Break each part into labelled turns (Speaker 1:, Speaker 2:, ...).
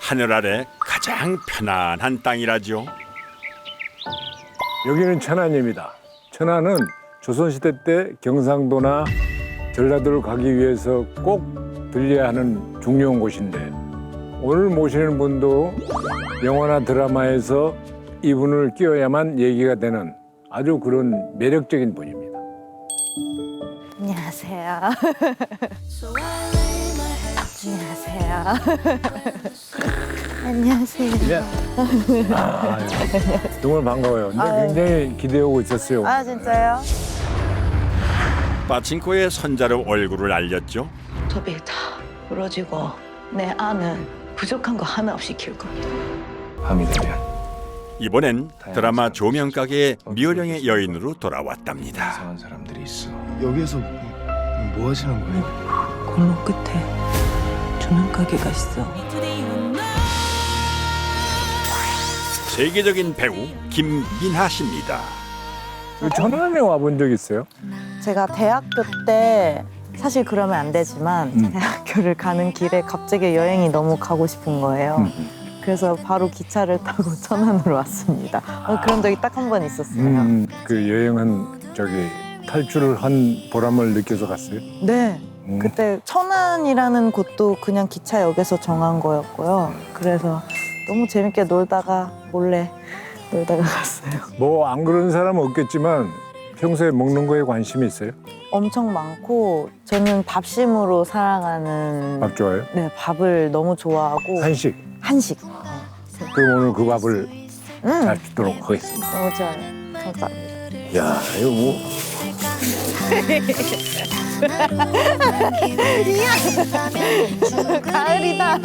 Speaker 1: 하늘 아래 가장 편안한 땅이라죠.
Speaker 2: 여기는 천안입니다. 천안은 조선시대 때 경상도나 전라도를 가기 위해서 꼭 들려야 하는 중요한 곳인데 오늘 모시는 분도 영화나 드라마에서 이분을 끼워야만 얘기가 되는 아주 그런 매력적인 분입니다.
Speaker 3: 안녕하세요. 안녕하세요. 안녕하세요.
Speaker 2: 정말 반가워요. 근데 굉장히 기대하고 있었어요.
Speaker 3: 아, 진짜요?
Speaker 1: 빠친코의 손자로 얼굴을 알렸죠.
Speaker 4: 토비 다 부러지고 내 아는 부족한 거 하나 없이 키울 겁니다.
Speaker 2: 밤이 되면
Speaker 1: 이번엔 드라마 조명가게의 미호령의 여인으로 돌아왔답니다.
Speaker 5: 이상한 사람들이 있어. 여기에서 뭐 하시는 거예요?
Speaker 6: 골목 끝에 조명 가게가 있어.
Speaker 1: 세계적인 배우 김민하 씨입니다.
Speaker 2: 천안에 와본 적 있어요?
Speaker 3: 제가 대학교 때 사실 그러면 안 되지만 대학교를 가는 길에 갑자기 여행이 너무 가고 싶은 거예요. 그래서 바로 기차를 타고 천안으로 왔습니다. 그런 적이 딱 한 번 있었어요.
Speaker 2: 그 여행은 저기 탈출을 한 보람을 느껴서 갔어요?
Speaker 3: 네. 그때 천안이라는 곳도 그냥 기차역에서 정한 거였고요. 그래서 너무 재밌게 놀다가 몰래 놀다가 갔어요.
Speaker 2: 뭐 안 그런 사람은 없겠지만 평소에 먹는 거에 관심이 있어요?
Speaker 3: 엄청 많고 저는 밥심으로 살아가는
Speaker 2: 밥 좋아해요?
Speaker 3: 네, 밥을 너무 좋아하고
Speaker 2: 한식.
Speaker 3: 한식.
Speaker 2: 그럼 오늘 그 밥을 잘 주도록 하겠습니다.
Speaker 3: 너무 좋아요. 감사합니다.
Speaker 2: 야, 이거 뭐
Speaker 3: 가을이다.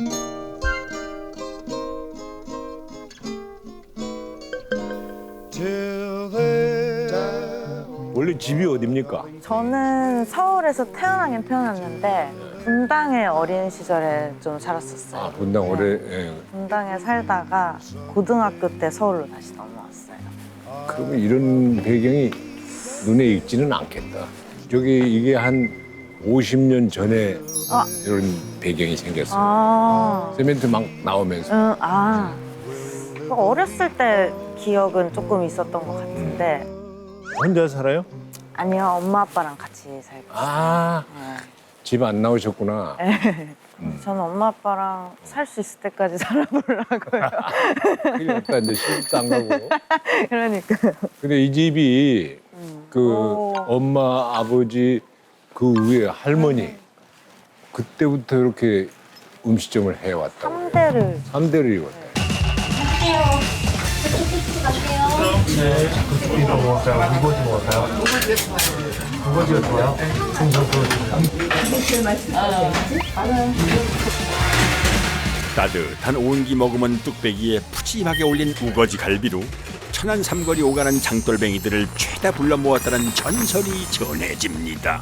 Speaker 2: 원래 집이 어딥니까?
Speaker 3: 저는 서울에서 태어나긴 태어났는데 분당에 어린 시절에 좀 살았었어요.
Speaker 2: 아, 분당 오래. 예.
Speaker 3: 분당에 살다가 고등학교 때 서울로 다시 넘어왔어요.
Speaker 2: 그러면 이런 배경이 눈에 익지는 않겠다. 저기 이게 한 50년 전에
Speaker 3: 아.
Speaker 2: 이런 배경이 생겼어요.
Speaker 3: 아,
Speaker 2: 세멘트 막 나오면서.
Speaker 3: 어렸을 때 기억은 조금 있었던 것 같은데
Speaker 2: 혼자 살아요?
Speaker 3: 아니요, 엄마 아빠랑 같이 살고
Speaker 2: 아, 집 안 나오셨구나.
Speaker 3: 저는 엄마 아빠랑 살 수 있을 때까지 살아보려고요.
Speaker 2: 큰일 났다. 이제 시집도 안 가고.
Speaker 3: 그러니까요.
Speaker 2: 근데 이 집이 그
Speaker 3: 오.
Speaker 2: 엄마, 아버지, 그 위에 할머니 그때부터 이렇게 음식점을 해왔다고.
Speaker 3: 3대를
Speaker 2: 삼대를 이뤘다.
Speaker 1: 따뜻한 온기 머금은 뚝배기에 푸짐하게 올린 우거지 갈비로 천안 삼거리 오가는 장돌뱅이들을 죄다 불러 모았다는 전설이 전해집니다.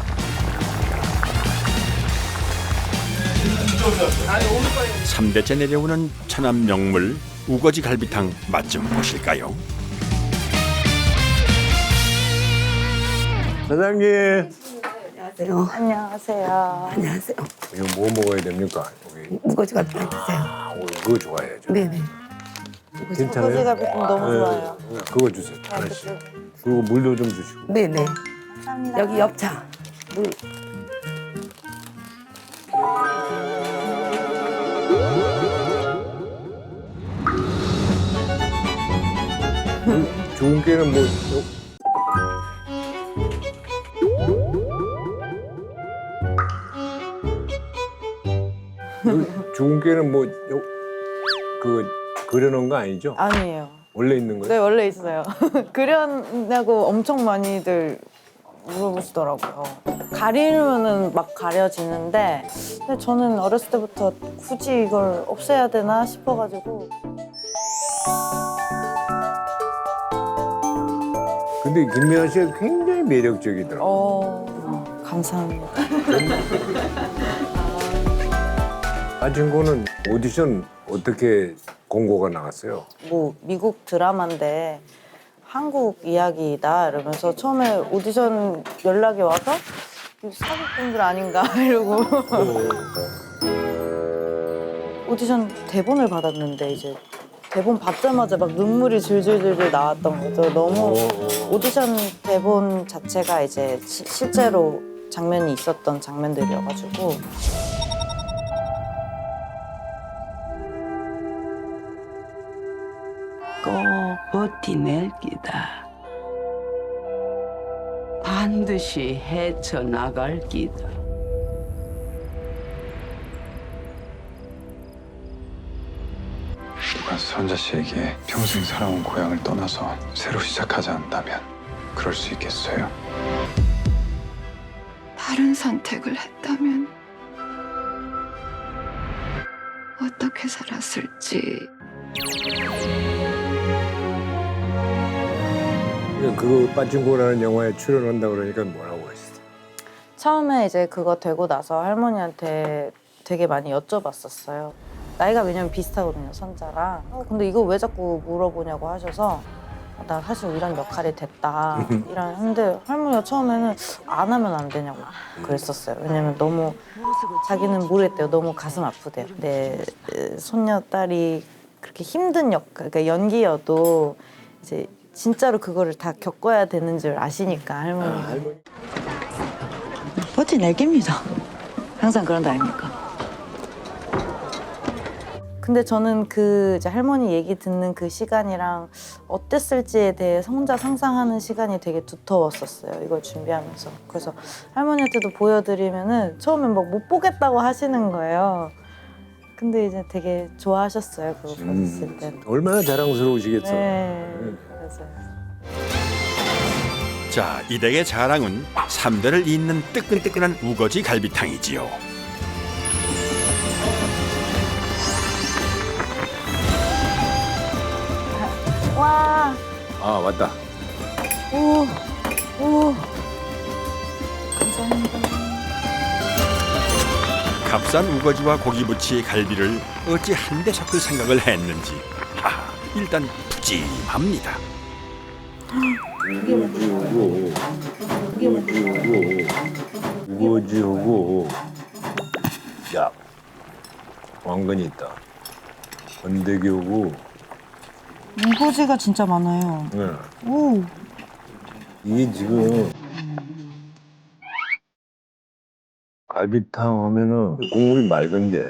Speaker 1: 삼대째 내려오는 천안 명물 우거지 갈비탕 맛 좀 보실까요?
Speaker 2: 사장님,
Speaker 6: 안녕하세요.
Speaker 3: 안녕하세요.
Speaker 6: 안녕하세요.
Speaker 2: 이거 뭐 먹어야 됩니까? 여기.
Speaker 6: 우거지 같은 거 드세요.
Speaker 2: 아, 오늘 그거 좋아해요. 저.
Speaker 6: 네네.
Speaker 2: 괜찮아요?
Speaker 3: 우거지가 너무 좋아요.
Speaker 2: 그거 주세요. 하나씩. 그리고 물도 좀 주시고.
Speaker 6: 네네.
Speaker 3: 감사합니다.
Speaker 6: 여기 엽차. 물.
Speaker 2: 좋은 게는 뭐 좋은 게는 뭐 그 그려놓은 거 아니죠?
Speaker 3: 아니에요.
Speaker 2: 원래 있는 거예요?
Speaker 3: 네, 원래 있어요. 그려냐고 엄청 많이들 물어보시더라고요. 가리면은 막 가려지는데 근데 저는 어렸을 때부터 굳이 이걸 없애야 되나 싶어가지고
Speaker 2: 근데 김미아 씨가 굉장히 매력적이더라고요.
Speaker 3: 감사합니다.
Speaker 2: 빠진코는 오디션 어떻게 공고가 나갔어요?
Speaker 3: 뭐 미국 드라마인데 한국 이야기다 이러면서 처음에 오디션 연락이 와서 사기꾼들 아닌가 이러고 오디션 대본을 받았는데 이제 대본 받자마자 막 눈물이 줄줄줄줄 나왔던 거죠. 너무 오디션 대본 자체가 이제 실제로 장면이 있었던 장면들이어가지고
Speaker 6: 꼭 버티낼 기다. 반드시 헤쳐나갈 기다.
Speaker 7: 누가 선자 씨에게 평생 살아온 고향을 떠나서 새로 시작하지 않는다면 그럴 수 있겠어요?
Speaker 8: 다른 선택을 했다면 어떻게 살았을지.
Speaker 2: 그 빠친코라는 영화에 출연한다 그러니까 뭐라고 했어?
Speaker 3: 처음에 이제 그거 되고 나서 할머니한테 되게 많이 여쭤봤었어요. 나이가 왜냐면 비슷하거든요, 선자랑. 근데 이거 왜 자꾸 물어보냐고 하셔서 나 사실 이런 역할이 됐다. 근데 할머니가 처음에는 안 하면 안 되냐고 그랬었어요. 왜냐면 너무 자기는 모르겠대요. 너무 가슴 아프대요. 내 손녀딸이 그렇게 힘든 역할, 그러니까 연기여도 이제 진짜로 그거를 다 겪어야 되는 줄 아시니까 할머니가.
Speaker 4: 버텨낼 겁니다. 항상 그런 거 아닙니까?
Speaker 3: 근데 저는 그 이제 할머니 얘기 듣는 그 시간이랑 어땠을지에 대해 혼자 상상하는 시간이 되게 두터웠었어요. 이걸 준비하면서. 그래서 할머니한테도 보여드리면은 처음엔 막 못 보겠다고 하시는 거예요. 근데 이제 되게 좋아하셨어요. 그거 봤을 때.
Speaker 2: 얼마나 자랑스러우시겠어.
Speaker 3: 네. 그래서.
Speaker 1: 자, 이 댁의 자랑은 3대를 잇는 뜨끈뜨끈한 우거지 갈비탕이지요.
Speaker 3: 와,
Speaker 2: 아 맞다.
Speaker 3: 오, 감사합니다.
Speaker 1: 값싼 우거지와 고기부치의 갈비를 어찌 한데 섞을 생각을 했는지 일단 푸짐합니다.
Speaker 2: 우거지하고 야 왕건이 있다. 건더기하고
Speaker 3: 우거지가 진짜 많아요.
Speaker 2: 네.
Speaker 3: 오.
Speaker 2: 이게 지금 갈비탕 하면은 국물이 맑은 게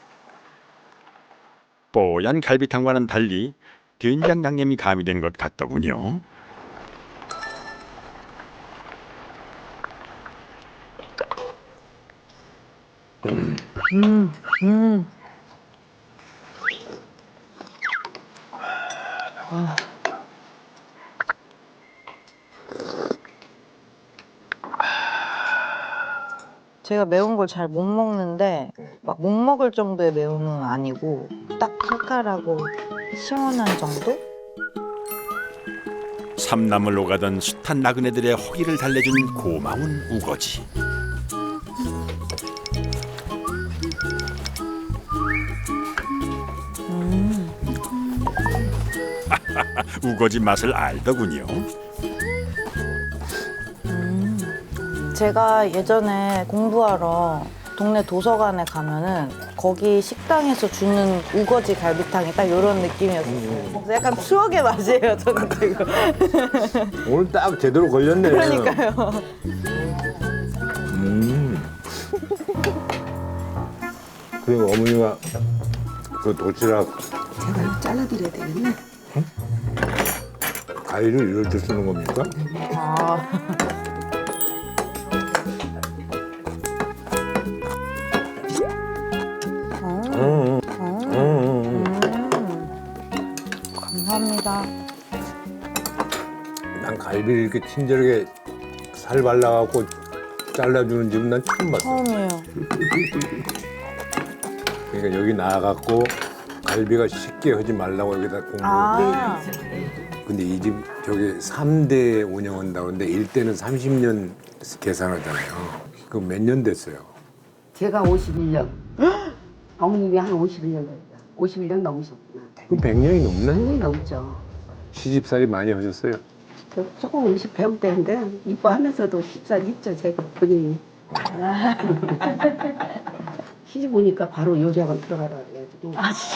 Speaker 1: 뽀얀 갈비탕과는 달리 된장 양념이 가미된 것 같더군요.
Speaker 3: 제가 매운 걸 잘 못 먹는데 막 못 먹을 정도의 매움은 아니고 딱 칼칼하고 시원한 정도?
Speaker 1: 삼남을 오가던 숱한 나그네들의 허기를 달래준 고마운 우거지. 우거지 맛을 알더군요.
Speaker 3: 제가 예전에 공부하러 동네 도서관에 가면은 거기 식당에서 주는 우거지 갈비탕이 딱 이런 느낌이었어요. 그래서 약간 추억의 맛이에요, 저는 지금.
Speaker 2: 오늘 딱 제대로 걸렸네.
Speaker 3: 그러니까요.
Speaker 2: 그리고 어머니가 그 도시락
Speaker 6: 제가 이거 잘라드려야 되겠네.
Speaker 2: 가위를 이럴 때 쓰는 겁니까?
Speaker 3: 아. 감사합니다.
Speaker 2: 난 갈비를 이렇게 친절하게 살 발라갖고 잘라주는 집은 난 처음 봤어.
Speaker 3: 처음이에요.
Speaker 2: 그러니까 여기 나와갖고 갈비가 쉽게 하지 말라고 여기다 공부.
Speaker 3: 아.
Speaker 2: 근데 이 집 저기 3대 운영한다고 하는데 1대는 30년 계산하잖아요. 그 몇 년 됐어요?
Speaker 9: 제가 51년. 어머님이 한 51년 됐다. 51년 넘으셨구나.
Speaker 2: 그럼 100년이 넘네?
Speaker 9: 굉장히 넘죠.
Speaker 2: 시집살이 많이 하셨어요?
Speaker 9: 저 조금 음식 배울 때인데 이뻐하면서도 쉽살 있죠, 제가 본인이. 시집 오니까 바로 요리학원 들어가라 그래가지고.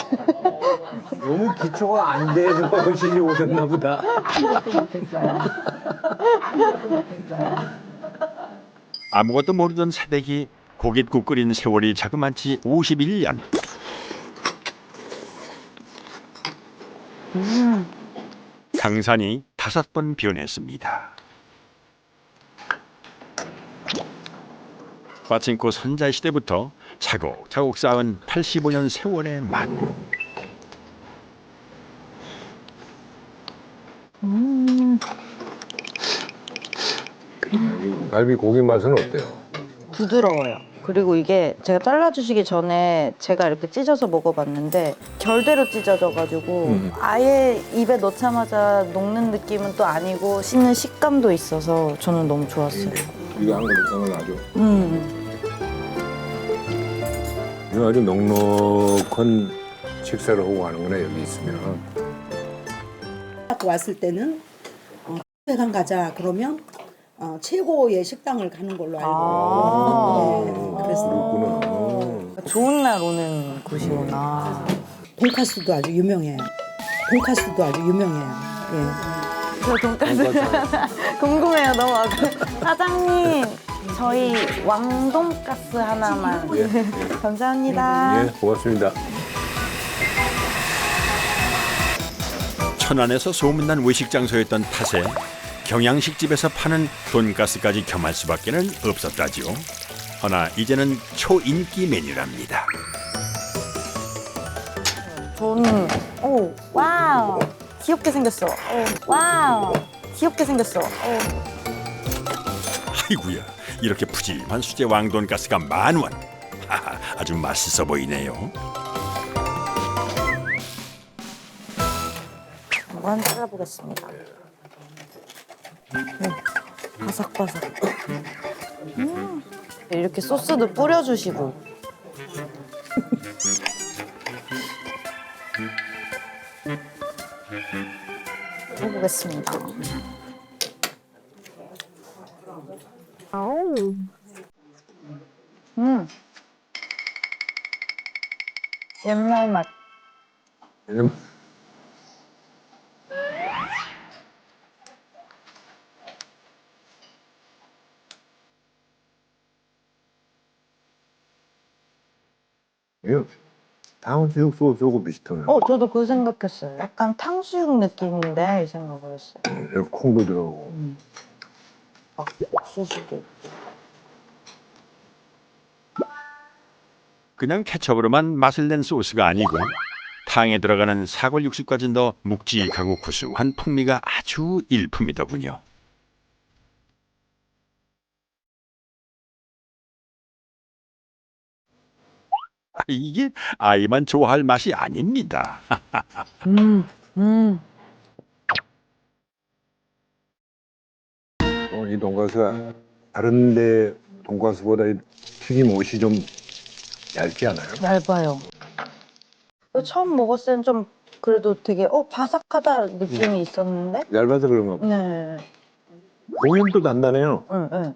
Speaker 2: 너무 기초가 안 돼서 시집 오셨나 보다.
Speaker 9: 아무것도 못했어요.
Speaker 1: 아무것도 모르던 새댁이 고깃국 끓인 세월이 자그마치 51년. 강산이 5번 변했습니다. 빠친코 선자 시대부터 차곡차곡 쌓은 85년 세월의 맛.
Speaker 2: 갈비 고기 맛은 어때요?
Speaker 3: 부드러워요. 그리고 이게 제가 잘라주시기 전에 제가 이렇게 찢어서 먹어봤는데 결대로 찢어져가지고 아예 입에 넣자마자 녹는 느낌은 또 아니고 씹는 식감도 있어서 저는 너무 좋았어요.
Speaker 2: 이거 한 그릇 아주. 이거 아주 넉넉한 식사를 하고 가는구나 여기 있으면.
Speaker 10: 왔을 때는 회관 가자 그러면 최고의 식당을 가는 걸로 알고 네, 그랬어요.
Speaker 2: 그렇구나.
Speaker 3: 좋은 날 오는 곳이구나.
Speaker 10: 돈가스도 아주 유명해요. 돈가스도 아주 유명해요. 예.
Speaker 3: 저 돈까스 궁금해요. 너무 사장님 저희 왕돈가스 하나만. 감사합니다.
Speaker 2: 예, 고맙습니다.
Speaker 1: 천안에서 소문난 외식 장소였던 탓에 경양식집에서 파는 돈가스까지 겸할 수밖에는 없었다지요. 허나 이제는 초인기 메뉴랍니다.
Speaker 3: 저는 오 와우 귀엽게 생겼어. 오, 와우 귀엽게 생겼어.
Speaker 1: 아이구야, 이렇게 푸짐한 수제 왕돈가스가 10,000원. 하하, 아주 맛있어 보이네요.
Speaker 3: 한번 잘라보겠습니다. 바삭바삭. 이렇게 소스도 뿌려주시고. 해보겠습니다. 아우. 옛날 맛.
Speaker 2: 이거 탕수육 소스하고 비슷하네.
Speaker 3: 저도 그 생각했어요. 약간 탕수육 느낌인데 이 생각을 했어요.
Speaker 2: 여기 콩도 들어가고.
Speaker 3: 소스도 있고.
Speaker 1: 그냥 케첩으로만 맛을 낸 소스가 아니고 탕에 들어가는 사골 육수까지 넣어 묵직하고 구수한 풍미가 아주 일품이더군요. 이게 아이만 좋아할 맛이 아닙니다.
Speaker 2: 이 돈가스가 다른데 돈가스보다 이 튀김 옷이 좀 얇지 않아요?
Speaker 3: 얇아요. 처음 먹었을 땐 좀 그래도 되게 바삭하다 느낌이 있었는데.
Speaker 2: 얇아서 그런가 봐.
Speaker 3: 네.
Speaker 2: 고기도 단단해요.
Speaker 3: 네.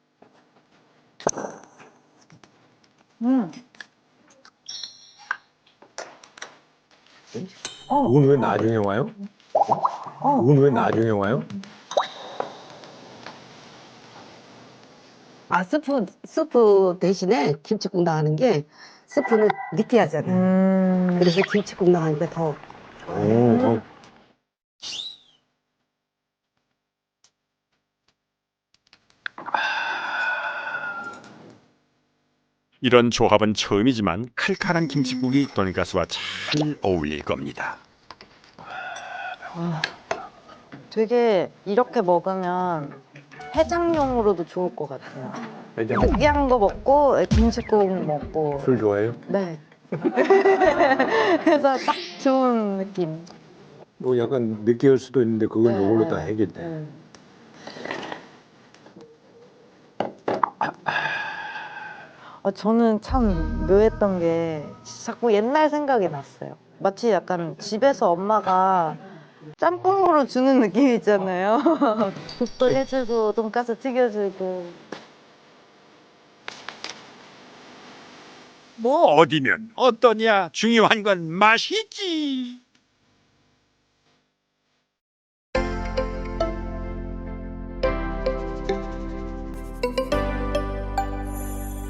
Speaker 2: 이건 왜 나중에 와요? 이건 왜 나중에 와요?
Speaker 9: 스프 대신에 김치국 나가는 게 스프는 느끼하잖아요. 그래서 김치국 나가니까 더 좋아요.
Speaker 1: 이런 조합은 처음이지만 칼칼한 김치국이 돈가스와 잘 어울릴 겁니다.
Speaker 3: 되게 이렇게 먹으면 해장용으로도 좋을 것 같아요.
Speaker 2: 해장.
Speaker 3: 느끼한 거 먹고 김치국 먹고.
Speaker 2: 술 좋아해요?
Speaker 3: 네. 그래서 딱 좋은 느낌.
Speaker 2: 뭐 약간 느끼할 수도 있는데 그건 이걸로 다 해결돼.
Speaker 3: 저는 참 묘했던 게 자꾸 옛날 생각이 났어요. 마치 약간 집에서 엄마가 짬뽕으로 주는 느낌 있잖아요. 국도 해주고 돈가스 튀겨주고.
Speaker 1: 뭐 어디면 어떠냐, 중요한 건 맛이지.